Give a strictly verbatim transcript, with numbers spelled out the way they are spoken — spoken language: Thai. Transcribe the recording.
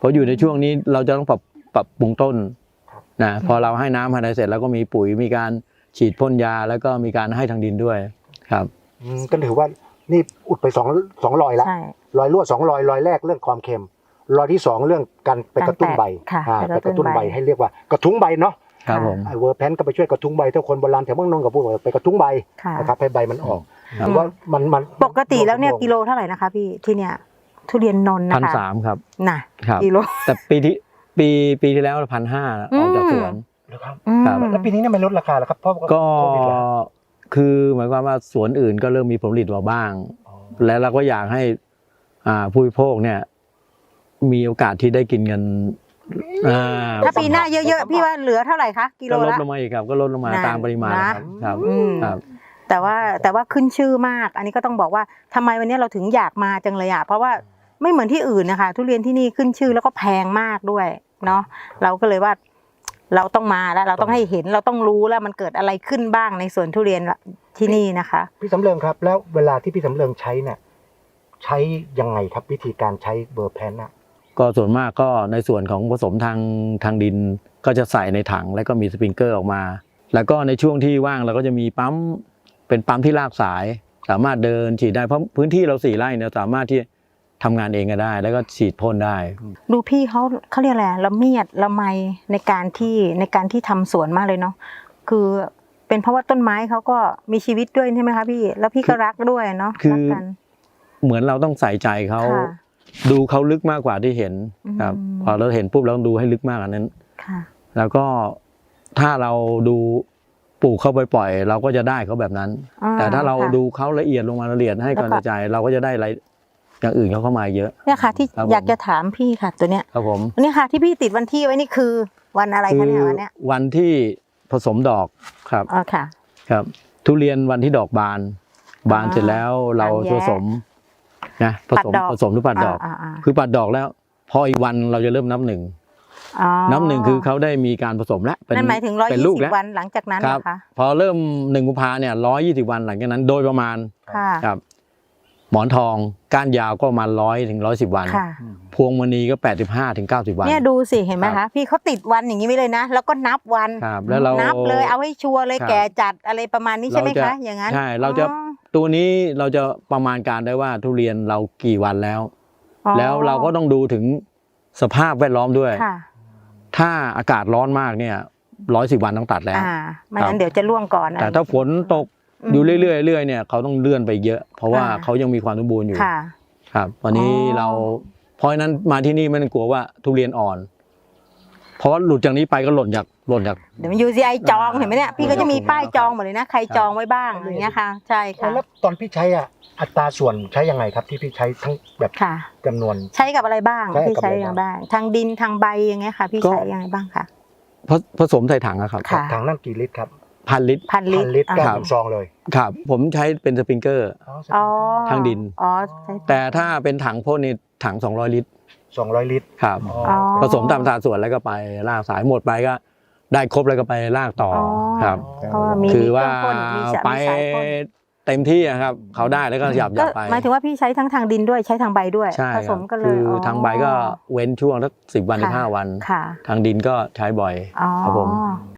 ราะอยู่ในช่วงนี้เราจะต้องปรับปรับปรุงต้นนะพอเราให้น้ำให้อะไรเสร็จแล้วก็มีปุ๋ยมีการฉีดพ่นยาแล้วก็มีการให้ทางดินด้วยครับก็ถือว่านี่อุดไปสองสองรอยแล้วรอยรั่วสองรอยรอยแรกเรื่องความเค็มรอยที่สองเรื่องการไปกระตุ้นใบไปกระตุ้นใบให้เรียกว่ากระทุ้งใบเนาะครับผมไอเวอร์แพนก็ไปช่วยกระทุ้งใบถ้าคนโบราณแถวเมืองนนท์กับพวกเราไปกระทุ้งใบนะครับให้ใบมันออกหรือว่ามันมันปกติแล้วเนี่ยกิโลเท่าไหร่นะคะพี่ที่เนี่ยทุเรียนนนท์นะคะพันสามครับน่ะกิโลแต่ปีที่ปีปีที่แล้วพันห้าออกจากสวนครับแล้วปีนี้เนี่ยมันลดราคาแล้วครับเพราะก็คือหมายความว่าสวนอื่นก็เริ่มมีผลผลิตมาบ้างแล้วเราก็อยากให้อ่าผู้บริโภคเนี่ยมีโอกาสที่ได้กินเงินถ้าปีหน้าเยอะๆพี่ว่าเหลือเท่าไหร่คะกิโลละก็ลดลงมาอีกครับก็ลดลงมาตามปริมาณครับครับแต่ว่าแต่ว่าขึ้นชื่อมากอันนี้ก็ต้องบอกว่าทำไมวันนี้เราถึงอยากมาจังเลยอ่ะเพราะว่าไม่เหมือนที่อื่นนะคะทุเรียนที่นี่ขึ้นชื่อแล้วก็แพงมากด้วยเนาะเราก็เลยว่าเราต้องมาแล้วเราต้องให้เห็นเราต้องรู้แล้วมันเกิดอะไรขึ้นบ้างในสวนทุเรียนที่นี่นะคะพี่สำเริงครับแล้วเวลาที่พี่สำเริงใช้เนี่ยใช้ยังไงครับวิธีการใช้เบอร์แพนน่ะก็ส่วนมากก็ในส่วนของผสมทางทางดินก็จะใส่ในถังแล้วก็มีสปริงเกอร์ออกมาแล้วก็ในช่วงที่ว่างเราก็จะมีปั๊มเป็นปั๊มที่ลากสายสามารถเดินฉีดได้เพราะพื้นที่เราสี่ไร่เนี่ยสามารถที่ทำงานเองก็ได้แล้วก็ฉีดพ่นได้ดูพี่เขาเขาเรียกอะไรละเมียดละไมในการที่ในการที่ทำสวนมากเลยเนาะคือเป็นเพราะว่าต้นไม้เขาก็มีชีวิตด้วยใช่ไหมคะพี่แล้วพี่ก็รักด้วยเนาะคือเหมือนเราต้องใส่ใจเขาดูเขาลึกมากกว่าที่เห็นครับพอเราเห็นปุ๊บเราต้องดูให้ลึกมากอันนั้นแล้วก็ถ้าเราดูปลูกเขาปล่อยๆเราก็จะได้เขาแบบนั้นแต่ถ้าเราดูเขาละเอียดลงมาละเอียดให้ความใจเราก็จะได้อะไรอย่างอื่นเขาเข้ามาเยอะเนี่ยค่ะที่อยากจะถามพี่ค่ะตัวเนี้ยครับผมนี่ค่ะที่พี่ติดวันที่ไว้นี่คือวันอะไรคะเนี่ยวันเนี้ยวันที่ผสมดอกครับอ๋อค่ะครับทุเรียนวันที่ดอกบานบานเสร็จแล้วเราผสมนะผสมผสมหรือปัดดอกคือปัดดอกแล้วพออีกวันเราจะเริ่มนับหนึ่งนับหนึ่งคือเขาได้มีการผสมแล้วนั่นหมายถึงร้อยยี่สิบวันหลังจากนั้นนะคะพอเริ่มหนึ่งกุมภาเนี่ยร้อยยี่สิบวันหลังจากนั้นโดยประมาณครับหมอนทองก้านยาวก็ประมาณร้อยถึงร้อยสิบวันพวงมณีก็แปดสิบห้าถึงเก้าสิบวันเนี่ยดูสิเห็นไหมคะพี่เขาติดวันอย่างนี้ไว้เลยนะแล้วก็นับวันแล้วเรานับเลยเอาให้ชัวร์เลยแก่จัดอะไรประมาณนี้ใช่ไหมคะอย่างนั้นใช่เราจะตัวนี้เราจะประมาณการได้ว่าทุเรียนเรากี่วันแล้วแล้วเราก็ต้องดูถึงสภาพแวดล้อมด้วยถ้าอากาศร้อนมากเนี่ยร้อยสิบวันต้องตัดแล้วไม่งั้นเดี๋ยวจะร่วงก่อนแต่ถ้าฝนตกอยู่เรื่อยๆเรื่อยๆเนี่ยเขาต้องเลื่อนไปเยอะเพราะว่าเขายังมีความสมบูรณ์อยู่ครับวันนี้เราเพราะฉะนั้นมาที่นี่ไม่ต้องกลัวว่าทุเรียนอ่อนเพราะว่าหลุดจากนี้ไปก็หล่นจากหล่นจากเดี๋ยวมัน ยู ซี ไอ จองเห็นไหมเนี่ยพี่ก็จะมีป้ายจองหมดเลยนะใครจองไว้บ้างอย่างเงี้ยค่ะใช่ค่ะแล้วตอนพี่ใช้อ่ะอัตราส่วนใช้ยังไงครับที่พี่ใช้ทั้งแบบจำนวนใช้กับอะไรบ้างพี่ใช้อย่างบ้างทางดินทางใบอย่างเงี้ยค่ะพี่ใช้ยังไงบ้างค่ะผสมใส่ถังอะครับถังนั่นกี่ลิตรครับพันลิตรพันลิตรแก้วซองเลยครับผมใช้เป็นสปริงเกอร์ทางดินแต่ถ้าเป็นถังพ่นนี่ถังสองร้อยลิตรสองร้อยลิตรครับผสมตามสัดส่วนแล้วก็ไปลากสายหมดไปก็ได้ครบแล้วก็ไปลากต่อครับคือว่าไปเต็มที่ครับเขาได้แล้วก็หยับหยับไปหมายถึงว่าพี่ใช้ทั้งทางดินด้วยใช้ทางใบด้วยผสมกันเลยคือทางใบก็เว้นช่วงสักสิบวันถึงห้าวันทางดินก็ใช้บ่อยครับผม